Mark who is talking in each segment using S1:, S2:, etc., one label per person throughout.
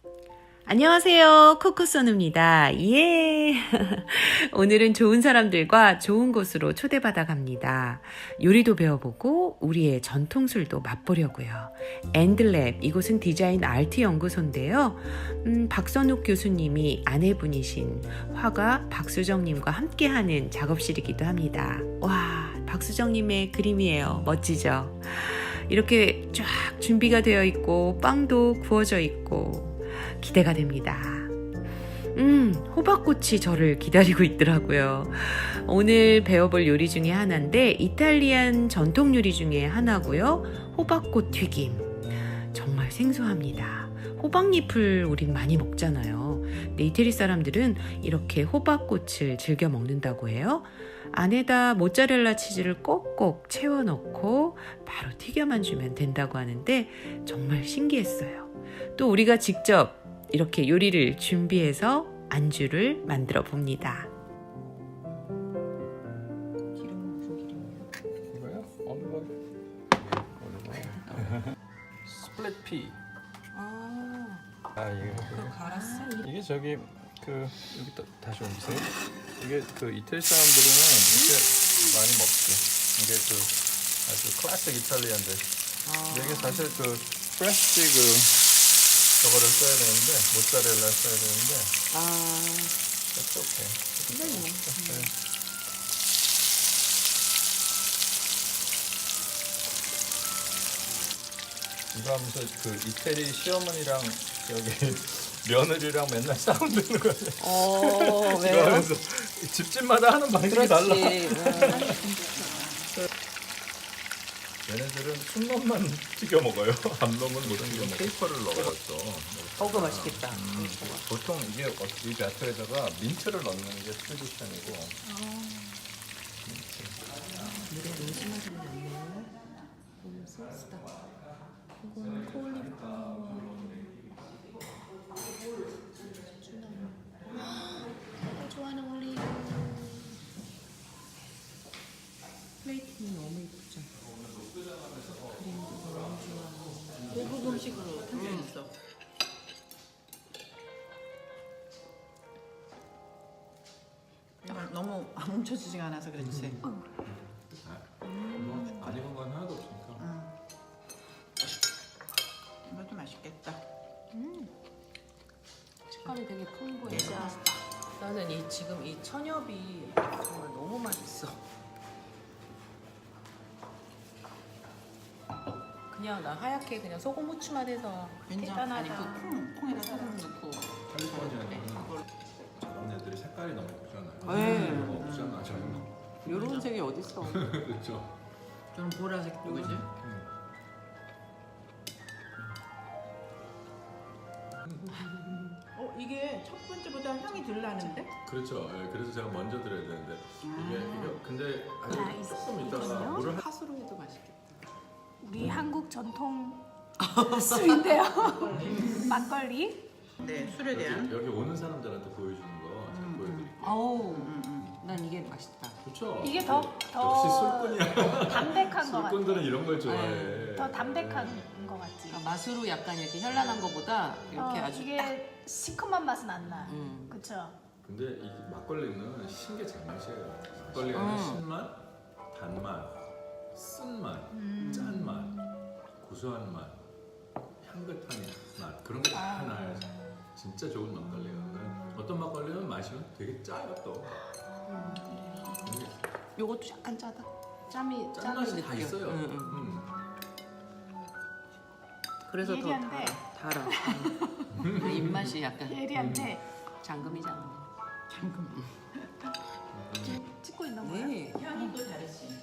S1: 안녕하세요. 코코소누입니다. 예! 오늘은 좋은 사람들과 좋은 곳으로 초대받아 갑니다. 요리도 배워보고 우리의 전통술도 맛보려고요. 엔드랩, 이곳은 디자인 아트 연구소인데요. 박선욱 교수님이 아내분이신 화가 박수정님과 함께하는 작업실이기도 합니다. 와, 박수정님의 그림이에요. 멋지죠? 이렇게 쫙 준비가 되어 있고 빵도 구워져 있고 기대가 됩니다. 호박꽃이 저를 기다리고 있더라고요. 오늘 배워볼 요리 중에 하나인데 이탈리안 전통 요리 중에 하나고요. 호박꽃 튀김. 정말 생소합니다. 호박잎을 우린 많이 먹잖아요. 근데 이태리 사람들은 이렇게 호박꽃을 즐겨 먹는다고 해요. 안에다 모짜렐라 치즈를 꼭꼭 채워 넣고 바로 튀겨만 주면 된다고 하는데 정말 신기했어요. 또 우리가 직접 이렇게 요리를 준비해서 안주를 만들어 봅니다.
S2: 기름은 무슨 기름이에요?
S3: 이거요? 올리브 스플릿 피. 이게
S2: 그거 갈았어?
S3: 이게 저기 그 여기 다시 옮기세요. 이게 그 이태리 사람들은 이렇게 많이 먹지. 이게 그 아주 클래식 이탈리안들. 근데 이게 사실 그 프레쉬 저거를 써야 되는데 모짜렐라 써야 되는데. That's okay. 이거 하면서 그 이태리 시어머니랑 여기 며느리랑 맨날 싸운다는 거예요.
S2: 왜요?
S3: 하면서 집집마다 하는 방식이 달라. 얘네들은 순놈만 튀겨 먹어요. 암놈은 못 튀겨 먹어. 페이퍼를 넣어서.
S2: 그거 맛있겠다.
S3: 보통 이게 이 배터에다가 민트를 넣는 게 트레디션이고.
S1: 물에 로즈마리를 넣네요. 너무 소스다. 이건 콜리플라워. 내가 좋아하는 올리브. 플레이팅이 너무 예쁘죠. 그림도 너무 좋아하고.
S2: 고급 음식으로 탄생했어. 너무 안 뭉쳐지지가 않아서 그렇지.
S3: 안 익은 건 하나도 없으니까.
S2: 이것도 맛있겠다.
S1: 식감이 되게 풍부해서 나는 지금 이 천엽이 정말 너무 맛있어. 그냥 나 하얗게 그냥 소금 후추만 해서
S2: 된장 아니 그 콩에다 소금 넣고
S3: 캘리포니아는 저런 애들이 색깔이 너무 예쁘잖아요.
S2: 네.
S3: 이거 없잖아 저런 거.
S1: 요런 색이 어딨어.
S3: 그렇죠.
S2: 저는 보라색 누구지? 이게 첫 번째보다 향이 덜 나는데?
S3: 그렇죠. 예, 그래서 제가 먼저 드려야 되는데 이게 근데 아주 조금 있다가 물을
S2: 팥으로 해도 맛있겠다.
S4: 우리 한국 전통 술인데요. 막걸리.
S2: 네, 술에 대한.
S3: 여기 오는 사람들한테 보여주는 거 제가 보여드릴게요.
S1: 아우, 난 이게 맛있다.
S3: 그렇죠.
S4: 이게
S3: 역시 술꾼이야.
S4: 담백한 것 같아.
S3: 술꾼들은 이런 걸 좋아해.
S4: 더 담백한 것 같지.
S1: 맛으로 약간 이렇게 현란한 것보다 이렇게 아주 딱.
S4: 이게 시큼한 맛은 안 나. 그쵸?
S3: 근데 이 막걸리는 신게 장맛이에요. 막걸리는 신맛, 단맛, 쓴맛, 짠맛, 고소한 맛, 향긋한 맛 그런 게 다 나요. 진짜 좋은 막걸리예요. 어떤 막걸리는 마시면 되게 짜요 또.
S1: 요것도 약간 짜다. 짬이
S3: 짠맛이 다 있어요.
S1: 그래서 더
S4: 예리한데.
S1: 달아. 입맛이 약간
S4: 예리한데
S1: 잠금이잖아.
S2: 잠깐만.
S4: 찍고 있는 거야?
S1: 네.
S2: 향이 또 다르지.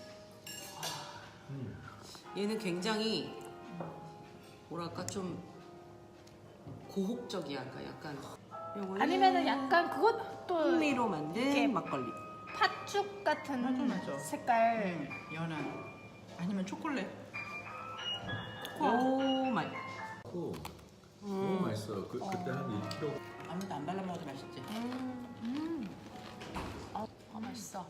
S1: 얘는 굉장히 뭐랄까 좀 고혹적이야. 약간
S4: 아니면은 약간 그것도
S1: 풍미로 만든
S4: 이렇게
S1: 막걸리.
S4: 팥죽 같은
S2: 맞아.
S4: 색깔.
S2: 연한. 아니면 초콜릿.
S1: 오 마이.
S3: 너무 맛있어요. 그때 한 1kg.
S2: 아무도 안 발라 먹어도 맛있지.
S4: 맛있어.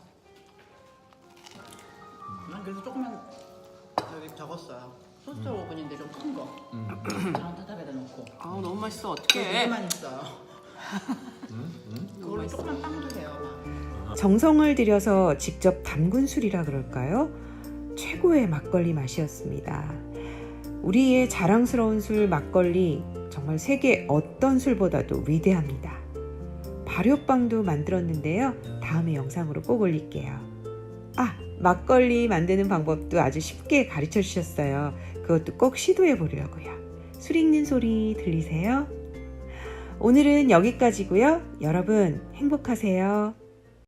S2: 난 그래서 조금만 여기 적었어요. 소스 오븐인데 좀 큰 거. 저런 따뜻하게다 놓고. 않고.
S1: 아 너무 맛있어.
S2: 되게
S1: 어떡해.
S2: 많이 있어요. 그걸로 조그만 빵도 돼요. 막.
S1: 정성을 들여서 직접 담근 술이라 그럴까요? 최고의 막걸리 맛이었습니다. 우리의 자랑스러운 술 막걸리 정말 세계 어떤 술보다도 위대합니다. 발효빵도 만들었는데요. 다음에 영상으로 꼭 올릴게요. 아, 막걸리 만드는 방법도 아주 쉽게 가르쳐 주셨어요. 그것도 꼭 시도해 보려고요. 술 읽는 소리 들리세요? 오늘은 여기까지고요. 여러분 행복하세요.